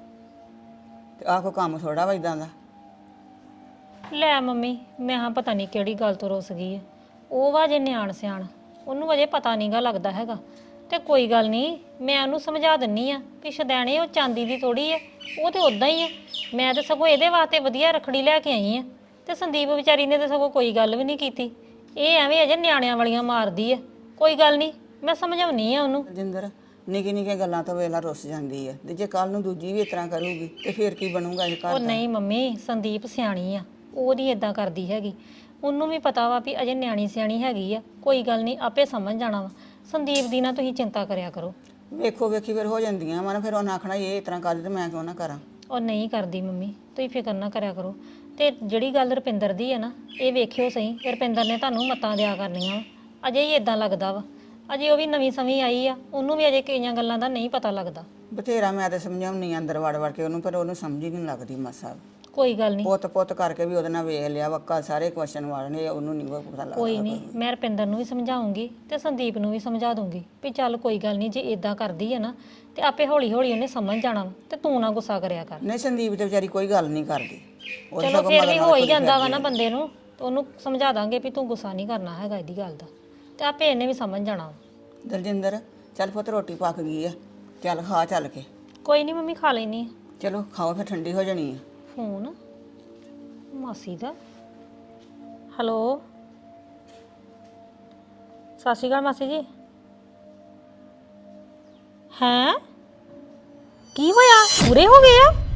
Speaker 3: ਤੇ ਆਹ ਕੋਈ ਕੰਮ ਥੋੜਾ ਵਾ ਇਦਾਂ ਦਾ।
Speaker 4: ਲੈ ਮੰਮੀ ਮੈਂ ਹਾਂ ਪਤਾ ਨਹੀਂ ਕਿਹੜੀ ਗੱਲ ਤੋਂ ਰੁੱਸ ਗਈ ਆ। ਉਹ ਵਾ ਜੇ ਨਿਆਣ ਸਿਆਣ, ਉਹਨੂੰ ਅਜੇ ਪਤਾ ਨਹੀਂਗਾ ਲੱਗਦਾ ਹੈਗਾ। ਤੇ ਕੋਈ ਗੱਲ ਨਹੀਂ, ਮੈਂ ਉਹਨੂੰ ਸਮਝਾ ਦਿੰਨੀ ਆ ਕਿ ਸ਼ਦੈਣੇ ਉਹ ਚਾਂਦੀ ਦੀ ਥੋੜੀ ਆ, ਉਹ ਤੇ ਉਦਾਂ ਹੀ ਆ। ਮੈਂ ਤੇ ਸਗੋਂ ਇਹਦੇ ਵਾਸਤੇ ਵਧੀਆ ਰੱਖੜੀ ਲੈ ਕੇ ਆਈ ਆ, ਤੇ ਸੰਦੀਪ ਵਿਚਾਰੀ ਨੇ ਤੇ ਸਗੋਂ ਕੋਈ ਗੱਲ ਵੀ ਨਹੀਂ ਕੀਤੀ। ਇਹ ਐਵੇਂ ਅਜੇ ਨਿਆਣਿਆਂ ਵਾਲੀਆਂ ਮਾਰਦੀ ਆ। ਕੋਈ ਗੱਲ ਨਹੀਂ, ਮੈਂ ਸਮਝਾਉਣੀ ਆ ਉਹਨੂੰ।
Speaker 3: ਜਿੰਦਰ ਨਿੱਕੀ ਨਿੱਕੀਆਂ ਗੱਲਾਂ ਤੋਂ ਵੇਲਾ ਰੁੱਸ ਜਾਂਦੀ ਹੈ, ਤੇ ਜੇ ਕੱਲ ਨੂੰ ਦੂਜੀ ਵੀ ਇਸ ਤਰ੍ਹਾਂ ਕਰੂਗੀ ਤੇ ਫਿਰ ਕੀ ਬਣੂਗਾ ਇਹ ਘਰ
Speaker 4: ਉਹ
Speaker 3: ਦਾ?
Speaker 4: ਨਹੀਂ ਮੰਮੀ, ਸੰਦੀਪ ਸਿਆਣੀ ਆ, ਉਹ ਨਹੀਂ ਇਦਾਂ ਕਰਦੀ ਹੈਗੀ। ਉਹਨੂੰ ਵੀ ਪਤਾ ਵਾ ਵੀ ਅਜੇ ਨਿਆਣੀ ਸਿਆਣੀ ਹੈਗੀ ਆ, ਕੋਈ ਗੱਲ ਨਹੀਂ, ਆਪੇ ਸਮਝ ਜਾਣਾ ਵਾ। ਸੰਦੀਪ ਦੀ ਨਾ ਤੁਸੀਂ ਚਿੰਤਾ ਕਰਿਆ ਕਰੋ।
Speaker 3: ਵੇਖੋ ਵੇਖੀ ਫਿਰ ਹੋ ਜਾਂਦੀਆਂ ਵਾ ਨਾ, ਫਿਰ ਉਹਨਾਂ ਆਖਣਾ ਇਹ ਇਸ ਤਰ੍ਹਾਂ ਕਰਦੀ ਤੇ ਮੈਂ ਕਿਉਂ ਨਾ ਕਰਾਂ।
Speaker 4: ਉਹ ਨਹੀਂ ਕਰਦੀ ਮੰਮੀ, ਤੁਸੀਂ ਫਿਕਰ ਨਾ ਕਰਿਆ ਕਰੋ। ਤੇ ਜਿਹੜੀ ਗੱਲ ਰੁਪਿੰਦਰ ਦੀ ਹੈ ਨਾ, ਇਹ ਵੇਖਿਓ ਸਹੀ, ਰੁਪਿੰਦਰ ਨੇ ਤੁਹਾਨੂੰ ਮਤਾਂ ਦਿਆ ਕਰਨੀਆਂ ਵਾ। ਅਜੇ ਹੀ ਇਦਾਂ ਲੱਗਦਾ ਵਾ, ਅਜੇ ਉਹ ਵੀ ਨਵੀਂ ਸਮੀ ਆਈ ਆ, ਉਹਨੂੰ ਵੀ ਅਜੇ ਕਈਆਂ ਗੱਲਾਂ ਦਾ ਨਹੀਂ ਪਤਾ ਲੱਗਦਾ।
Speaker 3: ਬਥੇਰਾ ਮੈਂ ਤੇ ਸਮਝਾਉਣੀ ਅੰਦਰ ਵੜ ਵੜ ਕੇ ਉਹਨੂੰ, ਪਰ ਉਹਨੂੰ ਸਮਝ ਹੀ ਨਹੀਂ ਲੱਗਦੀ ਮਸਾ।
Speaker 4: ਕੋਈ ਗੱਲ ਨਹੀਂ,
Speaker 3: ਪੁੱਤ ਪੁੱਤ ਕਰਕੇ ਵੀ ਉਹਦੇ ਨਾਲ ਵੇਖ ਲਿਆ ਵੱਕਾ, ਸਾਰੇ ਕੁਐਸਚਨ ਵਾਲਣੇ, ਉਹਨੂੰ ਨਹੀਂ ਪਤਾ ਲੱਗਦਾ।
Speaker 4: ਕੋਈ ਨਹੀਂ, ਮੈਂ ਰੁਪਿੰਦਰ ਨੂੰ ਵੀ ਸਮਝਾਉਂਗੀ ਤੇ ਸੰਦੀਪ ਨੂੰ ਵੀ ਸਮਝਾ ਦੂੰਗੀ ਵੀ ਚੱਲ ਕੋਈ ਗੱਲ ਨਹੀਂ, ਜੇ ਇਦਾਂ ਕਰਦੀ ਹੈ ਨਾ ਤੇ ਆਪੇ ਹੌਲੀ ਹੌਲੀ ਉਹਨੇ ਸਮਝ ਜਾਣਾ ਵਾ, ਤੇ ਤੂੰ ਨਾ ਗੁੱਸਾ ਕਰਿਆ ਕਰ।
Speaker 3: ਨਹੀਂ ਸੰਦੀਪ ਤੇ ਵਿਚਾਰੀ ਕੋਈ ਗੱਲ ਨਹੀਂ ਕਰਦੀ। ਉਹਦੇ
Speaker 4: ਚਲੋ
Speaker 3: ਸਗੋਂ
Speaker 4: ਫਿਰ
Speaker 3: ਮਗਰ
Speaker 4: ਵੀ
Speaker 3: ਨਾਲ
Speaker 4: ਹੋ ਹੀ
Speaker 3: ਤੁਰੀ
Speaker 4: ਜਾਂਦਾ ਵਾ
Speaker 3: ਫਿਰਦੀ
Speaker 4: ਨਾ
Speaker 3: ਆ।
Speaker 4: ਬੰਦੇ ਨੂੰ, ਤੇ ਉਹਨੂੰ ਸਮਝਾ ਦਾਂਗੇ ਵੀ ਤੂੰ ਗੁੱਸਾ ਨਹੀਂ ਕਰਨਾ ਹੈਗਾ ਇਹਦੀ ਗੱਲ ਦਾ, ਤੇ ਆਪੇ ਇਹਨੇ ਵੀ ਸਮਝ ਜਾਣਾ ਵਾ।
Speaker 3: ਦਲਜਿੰਦਰ ਚੱਲ ਪੁੱਤ ਰੋਟੀ ਪੱਕ ਗਈ ਆ, ਚੱਲ ਖਾ ਚੱਲ ਕੇ।
Speaker 4: ਕੋਈ ਨਹੀਂ ਮੰਮੀ, ਖਾ ਲੈਣੀ ਆ।
Speaker 3: ਚਲੋ ਖਾਓ ਫਿਰ ਠੰਡੀ ਹੋ ਜਾਣੀ ਆ।
Speaker 4: ਫੋਨ ਮਾਸੀ ਦਾ। ਹੈਲੋ, ਸਤਿ ਸ਼੍ਰੀ ਅਕਾਲ ਮਾਸੀ ਜੀ। ਹੈਂ, ਕੀ ਹੋਇਆ? ਪੂਰੇ ਹੋ ਗਏ ਆ?